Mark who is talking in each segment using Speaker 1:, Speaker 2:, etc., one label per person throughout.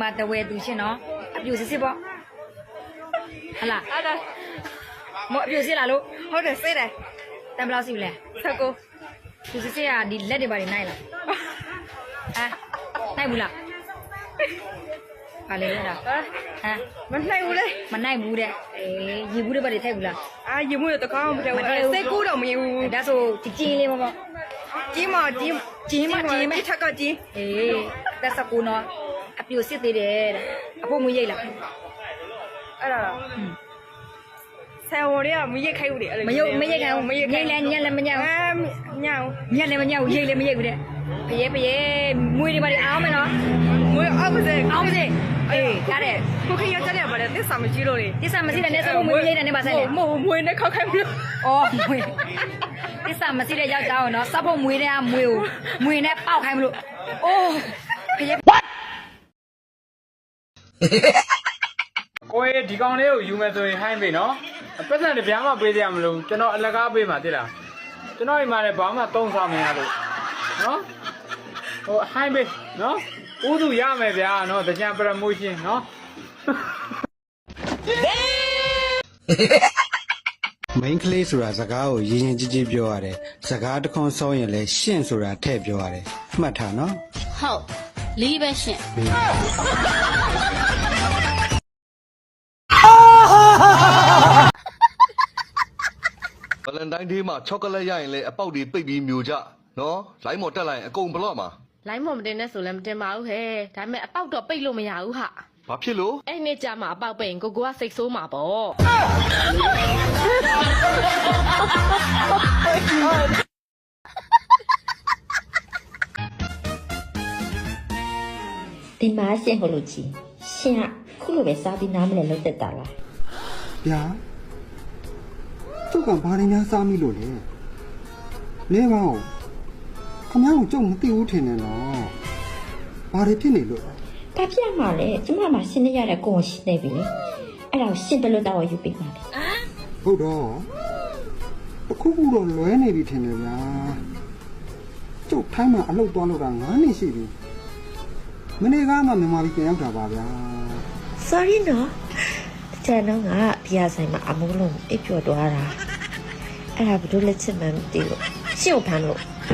Speaker 1: မှာတဝဲသူရှင်နော်အပြူစစ်စစ်ပေါ့ဟလာ
Speaker 2: အဲ့ဒါ
Speaker 1: မအပြူစစ်လာလို့
Speaker 2: ဟုတ်တယ်စိတ်တယ်
Speaker 1: တန်ဘယ်လောက်စီလဲ
Speaker 2: 19
Speaker 1: သူစစ်စစ်ကဒီလက်တွေပါနေနိုင်လားနိုင်ဘူးလားပါလေလားဟမ်
Speaker 2: မနိုင်ဘူးလေ
Speaker 1: မနိုင်ဘူးတဲ့ရေဘူးတွေပါနေထိုက်ဘူးလား
Speaker 2: အာရေမှုတော့တကောင်းမတည့်ဘူးစိတ်ကူးတော့မရဘူး
Speaker 1: ဒါဆိုကြီးလေးပေါ့
Speaker 2: ကြီးမကြီးထက်ကကြီး
Speaker 1: တက်စကူနော်အပြူစစ်သေးတယ်တဲ့အဖို့မွေးရိတ်လား
Speaker 2: အဲ့ဒါဆယ်ဝန်တွေကမရိတ်ခိုက်ဘူးလေအဲ့လို
Speaker 1: မရိတ်ခိုင်းဘူးရိတ်လဲညက်လဲမညက်ဘူး
Speaker 2: ညောင်
Speaker 1: ညက်လဲမညက်ဘူးရိတ်လဲမရိတ်ဘူးတဲ့ဖရဲမွေးတွေပါနေအောင်မယ်နော်
Speaker 2: မွေးအောက်ပါစေ
Speaker 1: အောင်ပါစေရတယ်
Speaker 2: ကိုခင်ရကြတယ်ပါတယ်သစ္စာမရှိလို့လေ
Speaker 1: တစ္ဆာမရှိတဲ့နဲ့စမွေးရိတ်တဲ့နဲ့ပါဆက်လေ
Speaker 2: မဟုတ်မွေးနဲ့ခောက်ခိုက်မလို့
Speaker 1: အော်မွေးတစ္ဆာမရှိတဲ့ယောက်ျားကိုနော်စပ်ဖို့မွေးတဲ့ကမွေးကိုမွေးနဲ့ပေါက်ခိုင်းမလို့အိုးဖရဲ
Speaker 3: ကိုယ်ဒီကောင်လေးကိုယူမယ်ဆိုရင်ဟိုင်းပြီနော်ပတ်စံတပြားမှပေးစရာမလိုကျွန်တော်အလကားပေးမှာတိလားကျွန်တော်အိမ်မှာလည်းဘာမှသုံးဆောင်မရလို့နော်ဟိုဟိုင်းပြီနော်ဥသူရမယ်ဗျာနော်တကြံ promotion နော်
Speaker 4: main ကလေးဆိုတာစကားကိုရင်းရင်ကြီးကြီးပြောရတယ်စကားတစ်ခွန်းစောရင်လည်းရှင့်ဆိုတာထည့်ပြောရတယ်မှတ်ထားနော်
Speaker 5: ဟုတ်လီးပဲရှင်
Speaker 6: ဗလန်တိုင်းဒေးမှာချောကလက်ရရင်လည်းအပေါက်တွေပိတ်ပြီးမျိုးကြနော်လိုင်းမော်တက်လိုက်ရင်အကုန်ဘလော့မှာ
Speaker 5: လိုင်းမော်မတင်နဲ့ဆိုလည်းမတင်ပါဘူးဟဲ့ဒါပေမဲ့အပေါက်တော့ပိတ်လို့မရဘူးဟာ
Speaker 6: ဘာဖြစ်လို့
Speaker 5: အဲ့နေ့ကျမှအပေါက်ပိတ်ရင်ကိုကစိတ်ဆိုးမှာပေါ့
Speaker 7: ဒီမှာရှင့်ဟိုလိုကြီးရှင်ကခုလိုပဲစားပြီးနားမလဲလောက်တက်တာလား
Speaker 4: ဗျာကျုပ်ကဘာရင်းများစားမိလို့လဲလဲပါဦးခမ ्या ကိုကျုပ်မသိဘူးထင်တယ်နော်ဘာတွေဖြစ်နေလို့
Speaker 7: ဒါပြတ်မှာလေကျမမှာရှင်းနေရတဲ့ကိုယ်ရှင်းနေပြီလေအဲ့ဒါကိုရှင်းတယ်လို့တော့ယူပေးပါလေ
Speaker 4: ဟုတ်တော့တခုခုတော့လွဲနေပြီထင်တယ်ဗျာကျုပ်ထိုင်းမှာအလုပ်သွားလို့တာ9နှစ်ရှိပြီမနေ့ကမှမြန်မာပြည်ပြန်ရောက်တာပါဗျာ
Speaker 7: sorry နော်တဲ့နော်ငါဘီယာဆိုင်မှာအမိုးလုံးအိပ်ပျော်သွားတာအဲ့ဒါဘယ်လိုလက်ချက်မှမသိလို့ရှင်းကိုဖမ်းလို့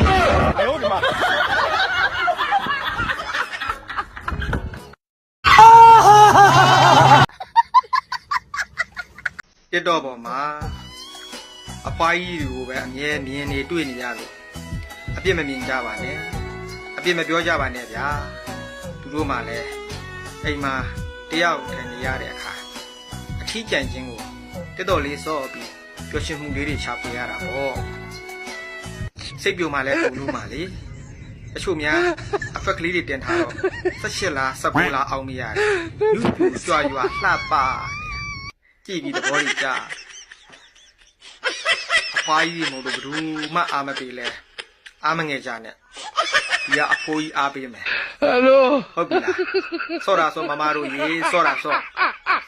Speaker 8: တစ်တော့ပေါ်မှာအပွားကြီးတွေကိုပဲအမြဲမြင်နေတွေ့နေရလို့အပြစ်မမြင်ကြပါနဲ့အပြစ်မပြောကြပါနဲ့ဗျာသူတို့မှလည်းအိမ်မှာတယောက်ထိုင်နေရတဲ့အခါအထီးကျန်ခြင်းကိုတစ်တော့လေးစော့ပြီးပျော်ရွှင်မှုလေးတွေရှာဖွေရတာပေါ့စိတ်ပြုံမှလည်းပုံလို့မှလေအချို့များအဖက်ကလေးတွေတင်ထားတော့18လား19လားအောင်မရတယ်လူပြူကြွားရွာလှပကြည့်ပြီးသဘောကြီးကြအဖွားကြီးမို့လို့ဘယ်သူမှအာမပေးလဲအာမငယ်ကြနဲ့ဒီကအဖိုးကြီးအားပေးမယ်ဟယ်လိုဟုတ်ပြီလားစောတာစောမမတို့ရေစောတာစော